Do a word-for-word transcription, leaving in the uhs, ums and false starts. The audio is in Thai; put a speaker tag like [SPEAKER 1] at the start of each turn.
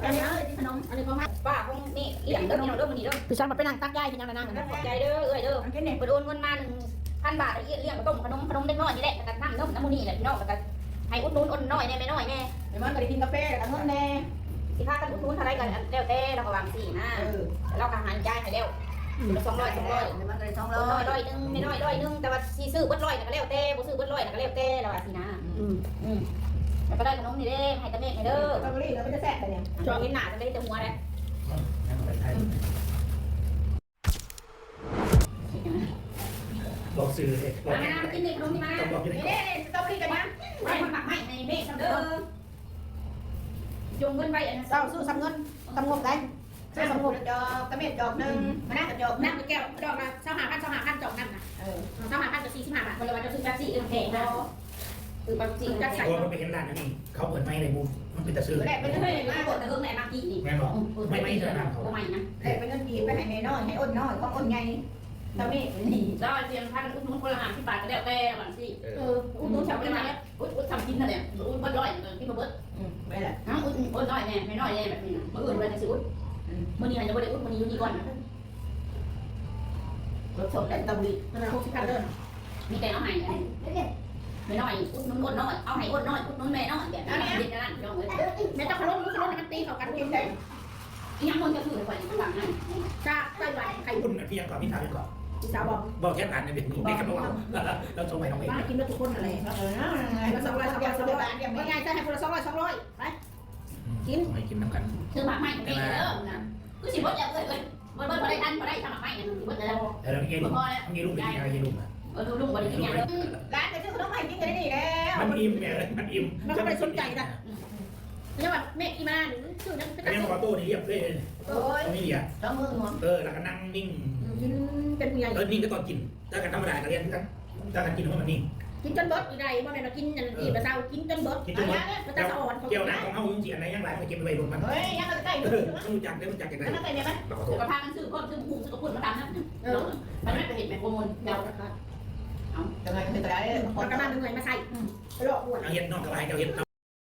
[SPEAKER 1] อันนี้ขนมอันนี้ของป้าของนี่เลี้ยงเด้อพี่น้องเด้อมื้อนี้เด้อพี่ชันมาไปนั่งตักยายที่นั่งนั่งขอบใจเด้อเอ้ยเด้อไปโอนเงินมาหนึ่งพันบาทเลี้ยงต้มขนมขนมเล็กน้อยนี่แหละแต่นั่งเด้อน้ำมูนี่แหละพี่น้องแล้วก็ให้อุดหนุนอุดน้อยแน่ไม่น้อยแน่เดี๋ยวมันก็ได้กินกาแฟแล้วก็เงินแน่สิพากันอุดหนุนอะไรกันแล้วแต่เราก็วางสี่นะเราก็หันยายให้แล้วสองร้อยสองร้อยมันเลยสองร้อยร้อยนึงไม่น้อยร้อยนึงแต่ว่าซีซื้อเบิ้ลร้อยก็แล้วแต่บ่ซื้อเบิ้ลร้อยก็แล้วแต่เราสินะอืมอืมแล้วก็ได้ขนมนี่เด้ให้ตะเมฆให้เด้อก็รีเราไม่ได้แซ่บแต่เนี่ยช่วงนี้หนาจะได้แต่หัวเลย
[SPEAKER 2] บอกสื่อเลยบอก
[SPEAKER 1] มามากินนี่ขนมนี่มานี่เด้สตรอเบอรี่กันนะไม่มันหมักไม่ในเมฆเด้อจงเงินไว้อันนั้นเศร้าสู้ซ้ำเงินซ้ำงบได้ซื้อสมุดจอกตะเม็ดจอกหนึ่งมานั่งจอกนั่งแก้วจอกมาเช่าหาพันเช่าหาพันจอกนั่งนะเออเช่าหาพันจะสี่สิบห้าบาทวันละวันจะซื้อแป๊บซี่เอ็มแพงนะคือแบบจริงจะใส่
[SPEAKER 2] เพราะมันไปเห็นร้านนี่เขาเปิดไม้ในมุมมันเป็นตะซื้อ
[SPEAKER 1] แรกเป็นเงินมาบดแต่เงินไหนมากี่นี่
[SPEAKER 2] แม่บอกไม่ไม่เจอหน้าเขา
[SPEAKER 1] ไม่นะ
[SPEAKER 3] แรกเป็นเงินกีบไปให้ในน้อยให้อ้นน้อยก็อ้นไงตะเม็ดนี่
[SPEAKER 1] แล้วเรียนพันอุ้นนุ่นคนละหาที่บาทก็แล้วแต่หลังสิเอออุ้นนุ่นทำไปไหนอุ้นอุ้นทำกินนั่นแหละอุ้นบดร้อยที่มาเบิด
[SPEAKER 3] อืมไม่ละ
[SPEAKER 1] อ้าวอุ้นอุ้นน้อยแน่ไม่น้อยแน่แบบนี้มื่ออื่นวันจะซื้ออุ้นมื่อนี้อาจจะไม่ได้อุ้นมื่อนี้อยู่นี่ก่อนรถชนได้ตำลีขนาดหกสิบพันเดินมีแต่เอาให้ไม่น้อยอุ้นนุ่นอ้นน้อยเอาให้อ้นน้อยอุ้นนุ่นแม่น้อยแบบนี้เด็ดนั่นยองเลยแม่เจ้าขลุ่นขลุ่นมันตีเขากันเองได้ยังคนจะถือไปข้างหลังนั่นจ้าไต้หวันใคร
[SPEAKER 2] คุณเพียงก่อนพี่ถามก่อน
[SPEAKER 1] พี่สาวบอก
[SPEAKER 2] บอกแค่ผ่านในเด็กนี่ไม่กันบอกเราส่งไปน้องเอง
[SPEAKER 1] บ้านกินแล้วทุกคนอะไร
[SPEAKER 3] เออนะ
[SPEAKER 1] คนละสองร้อยสองร้อยสองร้อยว่าไงจะให้คนละสองร้อยสองร้อยไป
[SPEAKER 2] กินไม่กินน้ำกัน
[SPEAKER 1] ซื้อหมากไม้ของพี่เด้อนะคือสิบวัดอย่างเลยเลยวัดวัดวัดได้ทันวัดได้ทำหมากไม้เนี่ยสิบวัดแล้ว
[SPEAKER 2] แต่เราไม่กินลูกไม่กินลูกไม่กินอะไรกินลูกอ่ะ
[SPEAKER 1] เออดูลูกวัดได้กินอย่างเดียว
[SPEAKER 3] ร้านไปซื้อขนมให้กินกันนี่แล้ว
[SPEAKER 2] มันอิ่มแม่เลยมันอิ่ม
[SPEAKER 1] มันก็ไม่สนใจนะเนี่ยแบบแม่อีมาหรือชื่อนั้นเป็น
[SPEAKER 2] แม่บอกตู้นี่เรียบเลย
[SPEAKER 3] โอ้ย
[SPEAKER 2] ไม่ดีอ่ะ
[SPEAKER 3] ต้องมือหมด
[SPEAKER 2] เออแล้วก็นั่งนิ่ง
[SPEAKER 1] กินเป็นผู้ใหญ่
[SPEAKER 2] เออนิ่งก็ตอนกินถ้ากันธรรมดาก็เรียนกันถ้ากันกินเพราะมันนิ่ง
[SPEAKER 1] กินจนเบิดอยู่ใดว่าแม่เรากินอย่างอีกระเซากินจนเบิด
[SPEAKER 2] กินจนหมด
[SPEAKER 1] มันจะสะอ่อน
[SPEAKER 2] เกี่ยวนะของเขาจริงๆอันไหนยังไรไปเก็บไปบนมัน
[SPEAKER 3] เฮ้ยยังใกล้
[SPEAKER 2] เออรู้จักได้รู้จักกัน
[SPEAKER 3] ๆ
[SPEAKER 2] ได้
[SPEAKER 3] แล้วใกล้ไหม
[SPEAKER 2] เราขอโท
[SPEAKER 1] เดี๋ย
[SPEAKER 2] ษ
[SPEAKER 1] วพากันซื้อก้อนซื้อหมูซื้อกระปุกมาทำนะเออมันไม่ไปเห็นแม่โปรโมทเดาเอา
[SPEAKER 3] ยังไงคือตัวไหน
[SPEAKER 1] คนกำลังเหนื่อยมาใส่ไปหลอกลวง
[SPEAKER 2] เอาเห็ดนอกกระไรเอาเห็ดน